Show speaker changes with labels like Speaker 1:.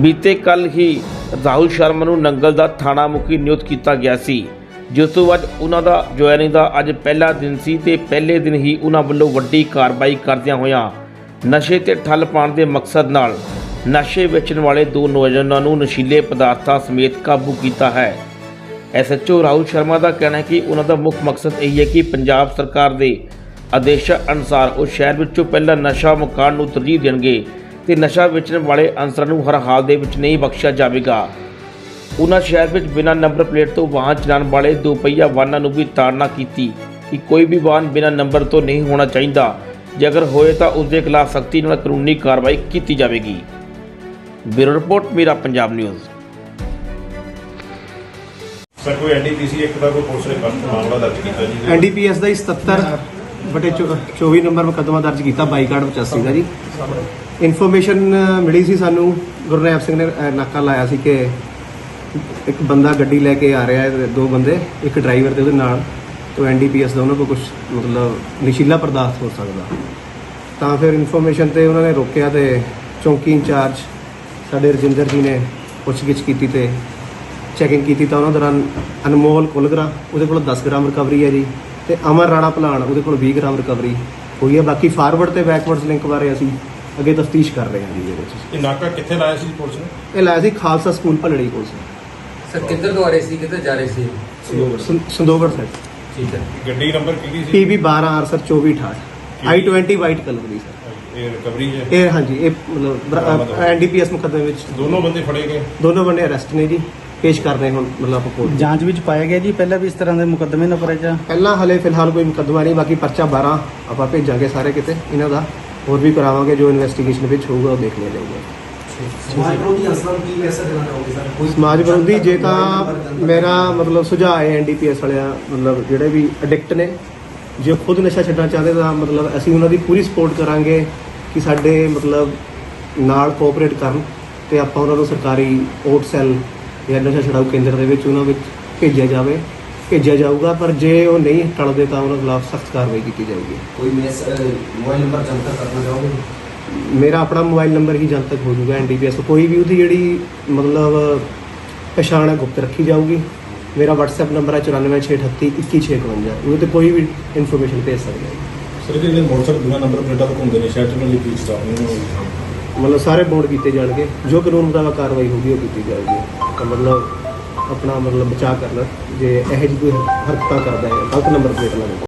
Speaker 1: बीते कल ही राहुल शर्मा ਨੂੰ ਨੰਗਲ ਦਾ ਥਾਣਾ ਮੁਖੀ ਨਿਯੁਕਤ ਕੀਤਾ ਗਿਆ ਸੀ, ਜਿਸ ਤੋਂ ਬਾਅਦ ਉਹਨਾਂ ਦਾ ਜੁਆਇਨਿੰਗ ਦਾ ਅੱਜ ਪਹਿਲਾ ਦਿਨ ਸੀ ਤੇ ਪਹਿਲੇ ਦਿਨ ਹੀ ਉਹਨਾਂ ਵੱਲੋਂ ਵੱਡੀ ਕਾਰਵਾਈ ਕਰਦਿਆਂ ਹੋਇਆਂ ਨਸ਼ੇ ਤੇ ਠੱਲ ਪਾਉਣ ਦੇ ਮਕਸਦ ਨਾਲ ਨਸ਼ੇ ਵੇਚਣ ਵਾਲੇ ਦੋ ਨੌਜਵਾਨਾਂ ਨੂੰ ਨਸ਼ੀਲੇ ਪਦਾਰਥਾਂ ਸਮੇਤ ਕਾਬੂ ਕੀਤਾ ਹੈ। ਐਸਐਚਓ ਰਾਹੁਲ ਸ਼ਰਮਾ ਦਾ ਕਹਿਣਾ ਹੈ ਕਿ ਉਹਨਾਂ ਦਾ ਮੁੱਖ ਮਕਸਦ ਇਹ ਹੈ ਕਿ ਪੰਜਾਬ ਸਰਕਾਰ ਦੇ ਆਦੇਸ਼ਾਂ ਅਨੁਸਾਰ ਉਹ ਸ਼ਹਿਰ ਵਿੱਚੋਂ ਪਹਿਲਾਂ ਨਸ਼ਾ ਮੁਕਾਉਣ ਨੂੰ ਤਰਜੀਹ ਦੇਣਗੇ ਤੇ ਨਸ਼ਾ ਵੇਚਣ ਵਾਲੇ ਅਨਸਰਾਂ ਨੂੰ ਹਰ ਹਾਲ ਦੇ ਵਿੱਚ ਨਹੀਂ ਬਖਸ਼ਿਆ ਜਾਵੇਗਾ। ਉਹਨਾਂ ਸ਼ਹਿਰ ਵਿੱਚ ਬਿਨਾਂ ਨੰਬਰ ਪਲੇਟ ਤੋਂ ਵਾਹਨ ਚਲਾਉਣ ਵਾਲੇ ਦੋ ਪਹੀਆ ਵਾਹਨਾਂ ਨੂੰ ਵੀ ਤਾੜਨਾ ਕੀਤੀ ਕਿ ਕੋਈ ਵੀ ਵਾਹਨ ਬਿਨਾਂ ਨੰਬਰ ਤੋਂ ਨਹੀਂ ਹੋਣਾ ਚਾਹੀਦਾ, ਜੇ ਅਗਰ ਹੋਏ ਤਾਂ ਉਸ ਦੇ ਖਿਲਾਫ ਸਖਤੀ ਨਾਲ ਕਾਨੂੰਨੀ ਕਾਰਵਾਈ ਕੀਤੀ ਜਾਵੇਗੀ। ਬਿਊਰੋ ਰਿਪੋर्ट ਮੇਰਾ ਪੰਜਾਬ ਨਿਊਜ਼।
Speaker 2: सर कोई एनडीपीसी एक का कोई पुलिस ने मामला दर्ज किया जी?
Speaker 3: एनडीपीएस का 77/24 नंबर मुकदमा दर्ज किया 22/85 का जी। इन्फॉर्मेशन मिली सी सानू गुरनैब सिंह ने नाका लाया सी कि एक बंदा गड्डी लैके आ रहा है, दो बंदे एक ड्राइवर ते उहदे नाल, तो एनडीपीएस का उन्होंने को कुछ मतलब नशीला पदार्थ हो सकता, तो फिर इन्फॉर्मेशन ते उन्होंने रोकया तो चौंकी इंचार्ज साडे रजिंदर जी ने पुछगिछ की ते चैकिंग की तो उन्होंने दौरान अनमोल कुलगरा वो 10 ग्राम रिकवरी है जी, तो अमर राणा भलान वो 20 ग्राम रिकवरी हुई है। बाकी फारवर्ड तो बैकवर्ड्स लिंक बारे असी अगे तफ्तीश कर रहे हैं जी।
Speaker 2: ये नाका कित्थे लाया सी पुलिस ने?
Speaker 3: ये लाया सी खालसा स्कूल भलड़ी कोल से।
Speaker 4: सर किधर तो आ रहे सी, किधर जा रहे सी?
Speaker 3: संदोगढ़ साइड।
Speaker 4: ठीक है।
Speaker 2: गड्डी नंबर की सी?
Speaker 3: PB 12 R sir 2468 I-20 white colour की सर।
Speaker 2: ये रिकवरी है?
Speaker 3: ये हाँ जी, ये मतलब NDPS मुकदमे में
Speaker 2: दोनों बंदे फड़े गए?
Speaker 3: दोनों बंदे अरेस्ट ने जी, पेश कर रहे हैं मतलब कोर्ट
Speaker 5: ਜਾਂਚ ਵਿੱਚ ਪਾਇਆ ਗਿਆ ਜੀ ਪਹਿਲਾਂ ਵੀ ਇਸ ਤਰ੍ਹਾਂ ਦੇ ਮੁਕੱਦਮੇ ਨਾ ਪਰਚਾ
Speaker 3: ਪਹਿਲਾਂ ਹਲੇ ਫਿਲਹਾਲ ਕੋਈ ਮੁਕੱਦਮਾ ਨਹੀਂ, ਬਾਕੀ ਪਰਚਾ 12 ਆਪਾਂ ਭੇਜਾਂਗੇ ਸਾਰੇ ਕਿਤੇ ਇਹਨਾਂ ਦਾ, ਹੋਰ ਵੀ ਕਰਾਵਾਂਗੇ, ਜੋ ਇਨਵੈਸਟੀਗੇਸ਼ਨ ਵਿੱਚ ਹੋਊਗਾ ਉਹ ਦੇਖ ਲਿਆ ਜਾਊਗਾ।
Speaker 6: ਸਮਾਜ ਵਿਰੋਧੀ ਅਸਲਾਂ ਕੀ ਮੈਸੇਜ ਦੇਣਾ ਚਾਹੋਗੇ ਸਰ? ਕੋਈ
Speaker 3: ਸਮਾਜ ਵਿਰੋਧੀ ਜੇ ਤਾਂ ਮੇਰਾ ਮਤਲਬ ਸੁਝਾਅ ਹੈ NDPS ਵਾਲਿਆਂ ਮਤਲਬ ਜਿਹੜੇ ਵੀ ਐਡਿਕਟ ਨੇ, ਜੇ ਖੁਦ ਨਸ਼ਾ ਛੱਡਣਾ ਚਾਹਦੇ ਤਾਂ ਮਤਲਬ ਅਸੀਂ ਉਹਨਾਂ ਦੀ ਪੂਰੀ ਸਪੋਰਟ ਕਰਾਂਗੇ ਕਿ ਸਾਡੇ ਮਤਲਬ ਨਾਲ ਕੋਆਪਰੇਟ ਕਰਨ ਤੇ ਆਪਾਂ ਉਹਨਾਂ ਨੂੰ ਸਰਕਾਰੀ ਓਟ ਸੈੱਲ ਜਾਂ ਨਸ਼ਾ ਛਡਾਊ ਕੇਂਦਰ ਦੇ ਵਿੱਚ ਉਹਨਾਂ ਵਿੱਚ ਭੇਜਿਆ ਜਾਊਗਾ, ਪਰ ਜੇ ਉਹ ਨਹੀਂ ਟਲਦੇ ਤਾਂ ਉਹਨਾਂ ਖਿਲਾਫ ਸਖਤ ਕਾਰਵਾਈ ਕੀਤੀ ਜਾਊਗੀ।
Speaker 6: ਕੋਈ ਮੋਬਾਈਲ ਨੰਬਰ ਜਨਤਕ ਕਰਨਾ ਚਾਹੋਗੇ?
Speaker 3: ਮੇਰਾ ਆਪਣਾ ਮੋਬਾਈਲ ਨੰਬਰ ਹੀ ਜਨਤਕ ਹੋ ਜਾਊਗਾ NDPS ਤੋਂ, ਕੋਈ ਵੀ ਉਹਦੀ ਜਿਹੜੀ ਮਤਲਬ ਪਛਾਣ ਹੈ ਗੁਪਤ ਰੱਖੀ ਜਾਊਗੀ। ਮੇਰਾ WhatsApp ਨੰਬਰ ਹੈ 9468311652, ਉਹਦੇ ਤੇ ਕੋਈ ਵੀ ਇਨਫੋਰਮੇਸ਼ਨ ਭੇਜ ਸਕਦਾ ਹੈ।
Speaker 2: ਸਰ ਜਿਹੜੇ ਮੋਟਰਸਾਈਕਲ ਬਿਨਾਂ ਨੰਬਰ ਪਲੇਟਾਂ ਤੋਂ ਘੁੰਮਦੇ ਨੇ ਸ਼ਹਿਰ ਚ, ਉਹਨਾਂ ਲਈ ਕੀ ਸਟਾਪ ਨਹੀਂ
Speaker 3: ਮਤਲਬ ਸਾਰੇ ਬੌਂਡ ਕੀਤੇ ਜਾਣਗੇ, ਜੋ ਕਾਨੂੰਨ ਮੁਤਾਬਕ ਕਾਰਵਾਈ ਹੋਊਗੀ ਉਹ ਕੀਤੀ ਜਾਊਗੀ। ਤਾਂ ਮਤਲਬ ਆਪਣਾ ਮਤਲਬ ਬਚਾਅ ਕਰਨਾ, ਜੇ ਇਹੋ ਜਿਹੀ ਕੋਈ ਹਰਕਤਾਂ ਕਰਦਾ ਹੈ ਗਲਤ ਨੰਬਰ ਪਲੇਟ ਲਾਉਣ